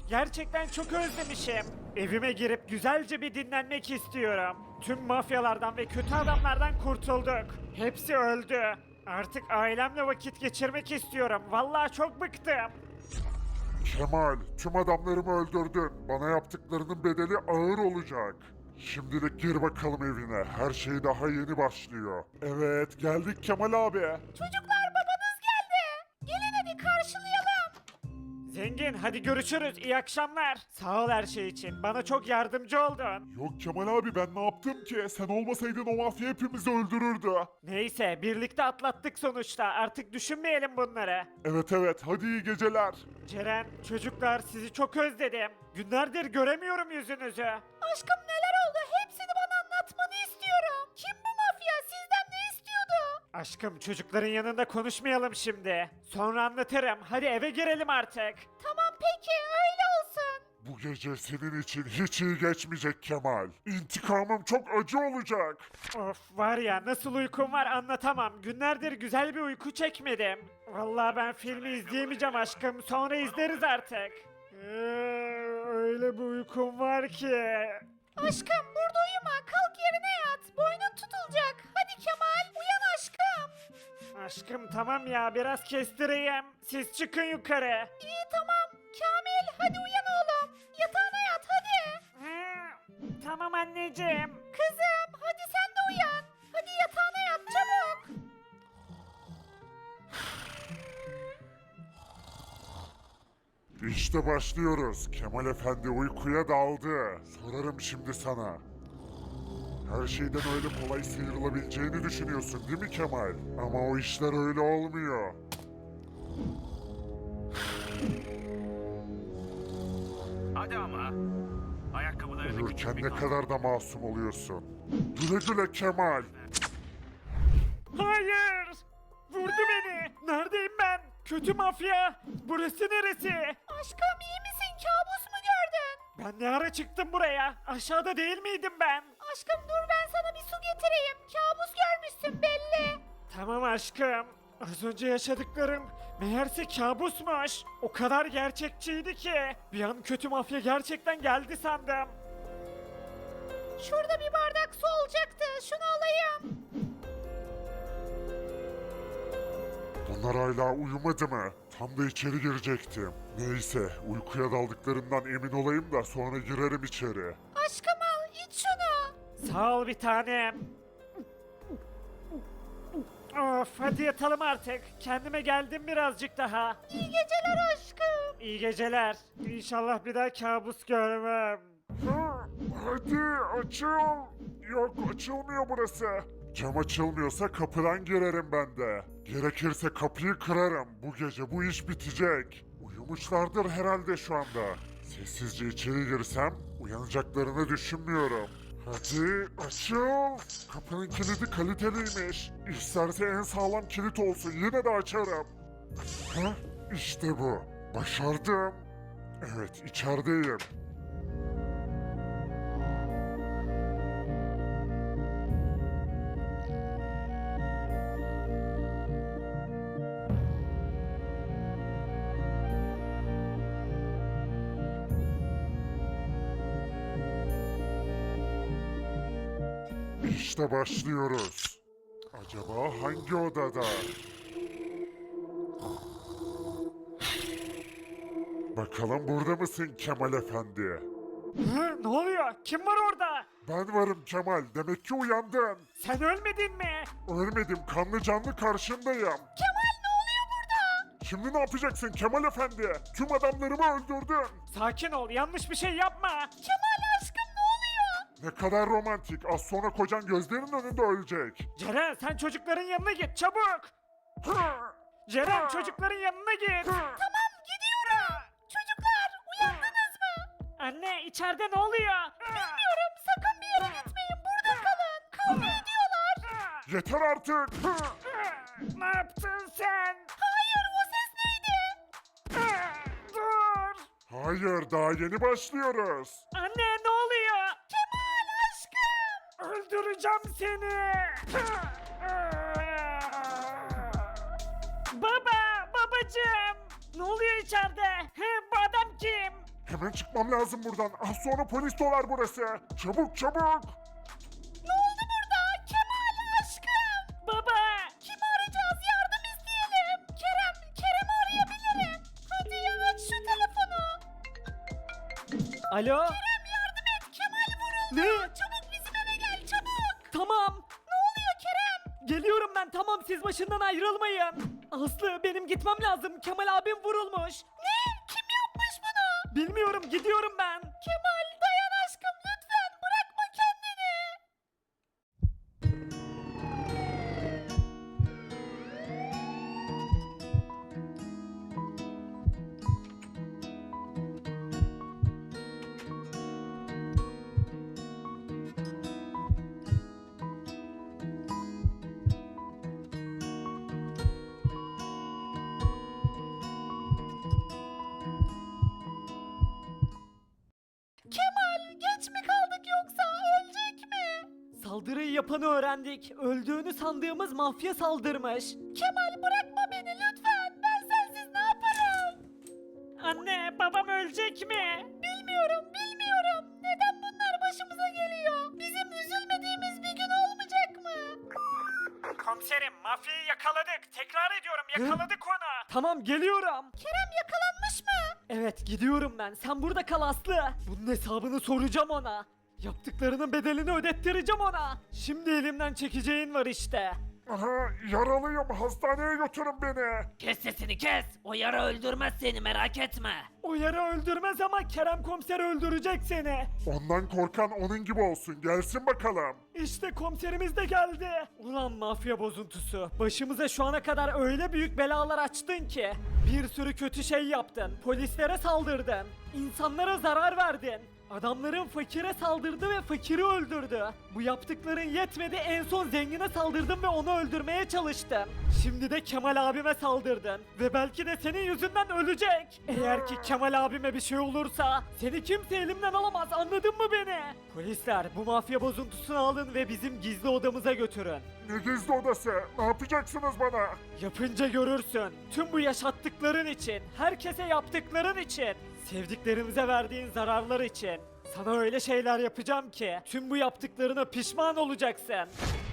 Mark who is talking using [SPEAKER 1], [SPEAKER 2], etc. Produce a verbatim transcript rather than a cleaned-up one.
[SPEAKER 1] Gerçekten çok özlemişim. Evime girip güzelce bir dinlenmek istiyorum. Tüm mafyalardan ve kötü adamlardan kurtulduk. Hepsi öldü. Artık ailemle vakit geçirmek istiyorum. Vallahi çok bıktım.
[SPEAKER 2] Kemal, tüm adamlarımı öldürdün. Bana yaptıklarının bedeli ağır olacak. Şimdilik gir bakalım evine. Her şey daha yeni başlıyor. Evet, geldik Kemal abi.
[SPEAKER 3] Çocuklar babanız geldi. Gelin hadi karşılayalım.
[SPEAKER 1] Zengin hadi görüşürüz. İyi akşamlar. Sağ ol her şey için. Bana çok yardımcı oldun.
[SPEAKER 2] Yok Kemal abi ben ne yaptım ki? Sen olmasaydın o mafya hepimizi öldürürdü.
[SPEAKER 1] Neyse birlikte atlattık sonuçta. Artık düşünmeyelim bunları.
[SPEAKER 2] Evet evet, hadi iyi geceler.
[SPEAKER 1] Ceren, çocuklar sizi çok özledim. Günlerdir göremiyorum yüzünüzü.
[SPEAKER 3] Aşkım neler oldu? Hepsini bana anlatmanı istiyorum. Kim bu mafya? Sizden ne istiyordu?
[SPEAKER 1] Aşkım çocukların yanında konuşmayalım şimdi. Sonra anlatırım. Hadi eve girelim artık.
[SPEAKER 3] Tamam peki öyle olsun.
[SPEAKER 2] Bu gece senin için hiç iyi geçmeyecek Kemal. İntikamım çok acı olacak.
[SPEAKER 1] Of var ya nasıl uykum var anlatamam. Günlerdir güzel bir uyku çekmedim. Vallahi ben filmi izleyemeyeceğim aşkım. Sonra izleriz artık. Ee, öyle bir uykum var ki.
[SPEAKER 3] Aşkım burada uyuma. Kalk yerine yat. Boynun tutulacak. Hadi Kemal uyan aşkım.
[SPEAKER 1] Aşkım tamam ya biraz kestireyim. Siz çıkın yukarı.
[SPEAKER 3] İyi tamam. Kamil hadi uyan oğlum. Yatağına yat hadi.
[SPEAKER 1] Hı, tamam anneciğim.
[SPEAKER 3] Kızım hadi sen de uyan. Hadi yatağına yat çabuk.
[SPEAKER 2] İşte başlıyoruz. Kemal Efendi uykuya daldı. Sorarım şimdi sana. Her şeyden öyle kolay sıyrılabileceğini düşünüyorsun değil mi Kemal? Ama o işler öyle olmuyor.
[SPEAKER 4] Hadi ama. Ayakkabılarını küçük
[SPEAKER 2] Uyurken
[SPEAKER 4] bir
[SPEAKER 2] ne
[SPEAKER 4] kamp-
[SPEAKER 2] kadar da masum oluyorsun. Güle güle Kemal.
[SPEAKER 1] Hayır. Vurdu beni. Neredeyim ben? Kötü mafya. Burası neresi?
[SPEAKER 3] Aşkım iyi misin? Kabus mu gördün?
[SPEAKER 1] Ben ne ara çıktım buraya? Aşağıda değil miydim ben?
[SPEAKER 3] Aşkım dur ben sana bir su getireyim. Kabus görmüşsün belli.
[SPEAKER 1] Tamam aşkım. Az önce yaşadıklarım meğerse kabusmuş. O kadar gerçekçiydi ki. Bir an kötü mafya gerçekten geldi sandım.
[SPEAKER 3] Şurada bir bardak su olacaktı. Şunu alayım.
[SPEAKER 2] Bunlar hala uyumadı mı? Tam da içeri girecektim. Neyse, uykuya daldıklarından emin olayım da sonra girerim içeri.
[SPEAKER 3] Aşkım al iç şunu.
[SPEAKER 1] Sağ ol bir tanem. Of hadi yatalım artık. Kendime geldim birazcık daha.
[SPEAKER 3] İyi geceler aşkım.
[SPEAKER 1] İyi geceler. İnşallah bir daha kabus görmem.
[SPEAKER 2] Hadi açıl. Yok açılmıyor burası. Cam açılmıyorsa kapıdan girerim ben de. Gerekirse kapıyı kırarım. Bu gece bu iş bitecek. Uyumuşlardır herhalde şu anda. Sessizce içeri girsem uyanacaklarını düşünmüyorum. Hadi açıl. Kapının kilidi kaliteliymiş. İsterse en sağlam kilit olsun yine de açarım. Hah işte bu. Başardım. Evet içerideyim. İşte başlıyoruz. Acaba hangi odada? Bakalım burada mısın Kemal Efendi?
[SPEAKER 1] Hı, ne oluyor? Kim var orada?
[SPEAKER 2] Ben varım Kemal. Demek ki uyandın.
[SPEAKER 1] Sen ölmedin mi?
[SPEAKER 2] Ölmedim. Kanlı canlı karşındayım.
[SPEAKER 3] Kemal ne oluyor burada?
[SPEAKER 2] Şimdi ne yapacaksın Kemal Efendi? Tüm adamlarımı öldürdün.
[SPEAKER 1] Sakin ol. Yanlış bir şey yapma.
[SPEAKER 3] Kemal aşkım ne oluyor?
[SPEAKER 2] Ne kadar romantik. Az sonra kocan gözlerinin önünde ölecek.
[SPEAKER 1] Ceren sen çocukların yanına git çabuk. Ceren çocukların yanına git.
[SPEAKER 3] Tamam gidiyorum. Çocuklar uyandınız mı?
[SPEAKER 1] Anne içeride ne oluyor?
[SPEAKER 3] Bilmiyorum sakın bir yere gitmeyin. Burada kalın. Kavga ediyorlar.
[SPEAKER 2] Yeter artık.
[SPEAKER 1] Ne yaptın sen?
[SPEAKER 3] Hayır o ses neydi?
[SPEAKER 1] Dur.
[SPEAKER 2] Hayır daha yeni başlıyoruz.
[SPEAKER 1] Anne ne oluyor?
[SPEAKER 3] Kemal aşkım.
[SPEAKER 1] Öldüreceğim seni. Baba, babacığım. Ne oluyor içeride? He, bu adam kim?
[SPEAKER 2] Hemen çıkmam lazım buradan. Az sonra polis dolar burası. Çabuk çabuk.
[SPEAKER 3] Ne oldu burada? Kemal aşkım.
[SPEAKER 1] Baba!
[SPEAKER 3] Kimi arayacağız? Yardım isteyelim. Kerem, Kerem'i arayabilirim. Hadi ya aç şu telefonu.
[SPEAKER 1] Alo?
[SPEAKER 3] Kerem yardım et. Kemal vuruldu.
[SPEAKER 1] Ne?
[SPEAKER 3] Çabuk bizim eve gel çabuk.
[SPEAKER 1] Tamam.
[SPEAKER 3] Ne oluyor Kerem?
[SPEAKER 1] Geliyorum ben, tamam, siz başından ayrılmayın. Aslı, benim gitmem lazım. Kemal abim vurulmuş.
[SPEAKER 3] Ne? Kim yapmış bunu?
[SPEAKER 1] Bilmiyorum, gidiyorum ben.
[SPEAKER 3] Kemal dayan aşkım lütfen bırakma kendini. Kemal geç mi kaldık yoksa ölecek mi?
[SPEAKER 1] Saldırıyı yapanı öğrendik. Öldüğünü sandığımız mafya saldırmış.
[SPEAKER 3] Kemal bırakma beni lütfen. Ben sensiz ne yaparım?
[SPEAKER 1] Anne, babam ölecek mi?
[SPEAKER 3] Bilmiyorum, bilmiyorum. Neden bunlar başımıza geliyor? Bizim üzülmediğimiz bir gün olmayacak mı?
[SPEAKER 1] Komiserim, mafyayı yakaladık. Tekrar ediyorum, yakaladık onu. Tamam, geliyorum.
[SPEAKER 3] Kerem yakalanmış mı?
[SPEAKER 1] Evet, gidiyorum ben. Sen burada kal Aslı. Bunun hesabını soracağım ona. Yaptıklarının bedelini ödettireceğim ona. Şimdi elimden çekeceğin var işte.
[SPEAKER 2] Aha, yaralıyım. Hastaneye götürün beni.
[SPEAKER 5] Kes sesini kes. O yara öldürmez seni merak etme.
[SPEAKER 1] O yara öldürmez ama Kerem komiser öldürecek seni.
[SPEAKER 2] Ondan korkan onun gibi olsun. Gelsin bakalım.
[SPEAKER 1] İşte komiserimiz de geldi. Ulan mafya bozuntusu. Başımıza şu ana kadar öyle büyük belalar açtın ki. Bir sürü kötü şey yaptın. Polislere saldırdın. İnsanlara zarar verdin. Adamların fakire saldırdı ve fakiri öldürdü. Bu yaptıkların yetmedi, en son zengine saldırdın ve onu öldürmeye çalıştın. Şimdi de Kemal abime saldırdın. Ve belki de senin yüzünden ölecek. Eğer ki Kemal abime bir şey olursa seni kimse elimden alamaz, anladın mı beni? Polisler, bu mafya bozuntusunu alın ve bizim gizli odamıza götürün.
[SPEAKER 2] Ne gizli odası? Ne yapacaksınız bana?
[SPEAKER 1] Yapınca görürsün. Tüm bu yaşattıkların için, herkese yaptıkların için, sevdiklerimize verdiğin zararlar için. Sana öyle şeyler yapacağım ki tüm bu yaptıklarına pişman olacaksın.